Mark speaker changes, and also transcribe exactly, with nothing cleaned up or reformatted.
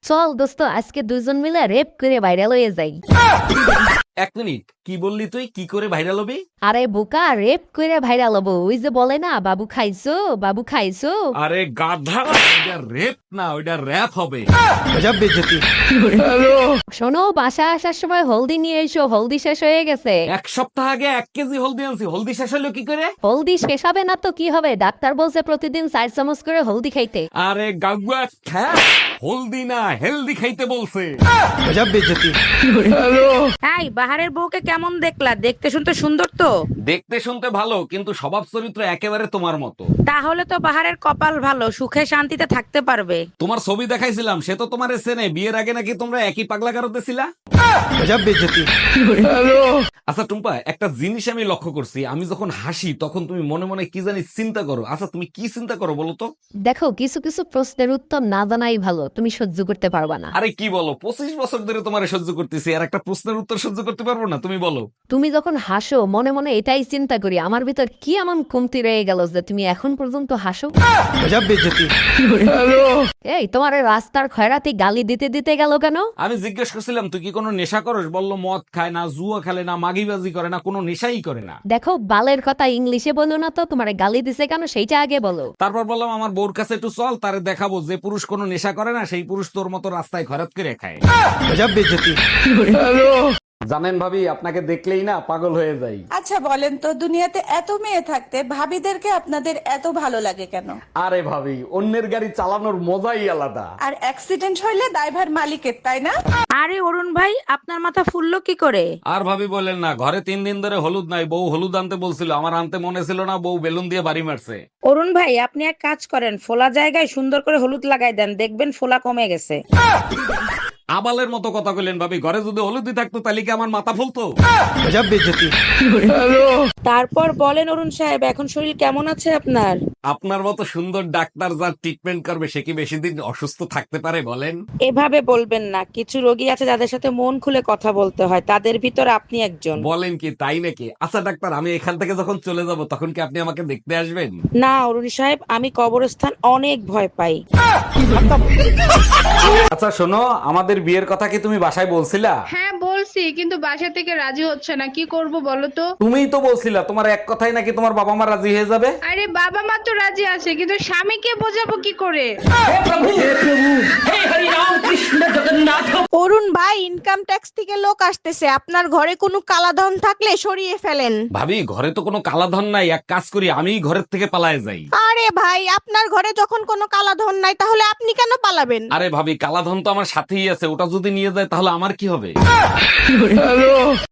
Speaker 1: চল দোস্ত আজকে দুজন মিলে রেপ করে ভাইরাল হয়ে যাই।
Speaker 2: এক মিনিট, কি বললি তুই? কি করে ভাইরাল হবি?
Speaker 1: আরে বোকা, রেপ করে ভাইরাল হবো। ওই যে বলে না, বাবু খাইছো বাবু খাইছো।
Speaker 2: আরে গাধা, ওইটা রেপ না, ওইটা র‍্যাপ হবে।
Speaker 1: শোনো, বাসা আসার সময় হলদি নিয়ে এসো, হলদি শেষ হয়ে গেছে।
Speaker 2: এক সপ্তাহ আগে এক কেজি হলদি আনছি, হলদি শেষ হলো কি করে?
Speaker 1: হলদি শেষ হবে না তো কি হবে? ডাক্তার বলছে প্রতিদিন চার চামচ করে হলদি খাইতে।
Speaker 2: আরে গাগুয়া খ্যা, হলদি না হেলদি খাইতে বলছে।
Speaker 3: এই বাহারের বউকে কেমন দেখলা? দেখতে শুনতে সুন্দর তো।
Speaker 2: দেখতে শুনতে ভালো, কিন্তু স্বভাব চরিত্র একেবারে তোমার মতো।
Speaker 3: তাহলে তো বাহারের কপাল ভালো, সুখে শান্তিতে থাকতে পারবে।
Speaker 2: তোমার ছবি দেখাইছিলাম, সে তো তোমার চেনে। বিয়ের আগে নাকি তোমরা একই পাগলা কারোতে ছিলা। আচ্ছা টুম্পা, একটা জিনিস আমি লক্ষ্য করছি, আমি যখন হাসি তখন তুমি মনে মনে কি জানি চিন্তা করো। আচ্ছা তুমি কি চিন্তা করো বলো তো?
Speaker 1: দেখো, কিছু কিছু প্রশ্নের উত্তর না জানাই ভালো, তুমি সহ্য করতে পারবা না।
Speaker 2: আরে কি বলো, পঁচিশ বছর ধরে তোমার সহ্য করতেছি, আর একটা প্রশ্নের উত্তর সহ্য করতে পারবো না? তুমি বলো।
Speaker 1: তুমি যখন হাসো মনে মনে এটাই চিন্তা করি, আমার ভিতর কি এমন কমতি রয়ে গেল যে তুমি এখন পর্যন্ত হাসো। এই তোমার এই রাস্তার খয়রাতি গালি দিতে দিতে গেল কেন?
Speaker 2: আমি জিজ্ঞেস করছিলাম তুই কি কোনো নেশা করস, বললো মদ খায় না, জুয়া খেলে না, মাগিবাজি করে না, কোনো নেশাই করে না।
Speaker 1: দেখো, বালের কথা ইংলিশে বলো না তো, তোমার গালি দিছে কেন সেইটা আগে বলো।
Speaker 2: তারপর বললাম আমার বউর কাছে একটু চল, তারে দেখাবো যে পুরুষ কোনো নেশা করে না, সেই পুরুষ তোর মতো রাস্তায় খরাত করে খায়। জানেন ভাবি, আপনাকে দেখলেই না পাগল হয়ে যাই।
Speaker 4: আচ্ছা বলেন তো, দুনিয়াতে এত মেয়ে থাকতে ভাবিদেরকে আপনাদের এত ভালো লাগে কেন?
Speaker 2: আরে ভাবি, অন্যের গাড়ি চালানোর মজাই আলাদা।
Speaker 4: আর অ্যাক্সিডেন্ট হইলে দায়ভার মালিকের, তাই না?
Speaker 3: আরে অরুণ ভাই, আপনার মাথা ফুললো কি করে?
Speaker 2: আর ভাবি বলেন না, ঘরে তিন দিন ধরে হলুদ নাই, বউ হলুদ আনতে বলছিল, আমার আনতে মনে ছিল না, বউ বেলুন দিয়ে বাড়ি মারছে।
Speaker 3: অরুণ ভাই, আপনি এক কাজ করেন, ফোলা জায়গায় সুন্দর করে হলুদ লাগাই দেন, দেখবেন ফোলা কমে গেছে।
Speaker 2: আবালের মতো কথা কইলেন ভাবি, ঘরে যদি হলুদই থাকতো তাহলে কি আমার মাথা ফুলতো?
Speaker 3: তারপর বলেন অরুণ সাহেব, এখন শরীর কেমন আছে আপনার?
Speaker 2: আপনার মতো সুন্দর ডাক্তার যার ট্রিটমেন্ট করবে, সে কি বেশি দিন অসুস্থ থাকতে পারে বলেন?
Speaker 3: এভাবে বলবেন না, কিছু রোগী আছে যাদের সাথে মন খুলে কথা বলতে হয়, তাদের ভিতর আপনি একজন।
Speaker 2: বলেন কি, তাই নাকি? আচ্ছা ডাক্তার, আমি এখান থেকে যখন চলে যাব তখন কি আপনি আমাকে দেখতে আসবেন?
Speaker 3: না অরুণ সাহেব, আমি কবরস্থান অনেক ভয় পাই।
Speaker 2: আচ্ছা শোনো, আমাদের বিয়ের কথা কি তুমি বাসায় বলছিলা?
Speaker 5: হ্যাঁ বলছি, কিন্তু বাসা থেকে রাজি হচ্ছে না, কি করব বলো তো?
Speaker 2: তুমিই তো বলছিলা তোমার এক কথাই নাকি তোমার বাবা মা রাজি হয়ে যাবে।
Speaker 5: আরে বাবা মা তো রাজি আছে, কিন্তু স্বামীকে বোঝাবো কি করে?
Speaker 6: অরুণ ভাই, ইনকাম ট্যাক্স থেকে লোক আসতেছে, আপনার ঘরে কোনো কালাধন থাকলে সরিয়ে ফেলেন।
Speaker 2: ভাবি, ঘরে তো কোনো কালাধন নাই, এক কাজ করি, আমিই ঘরের থেকে পালায়ে যাই।
Speaker 6: আরে ভাই, আপনার ঘরে যখন কোনো কালাধন নাই তাহলে আপনি কেন পালাবেন?
Speaker 2: আরে ভাবি, কালাধন তো আমার সাথেই আছে, ওটা যদি নিয়ে যায় তাহলে আমার কি হবে?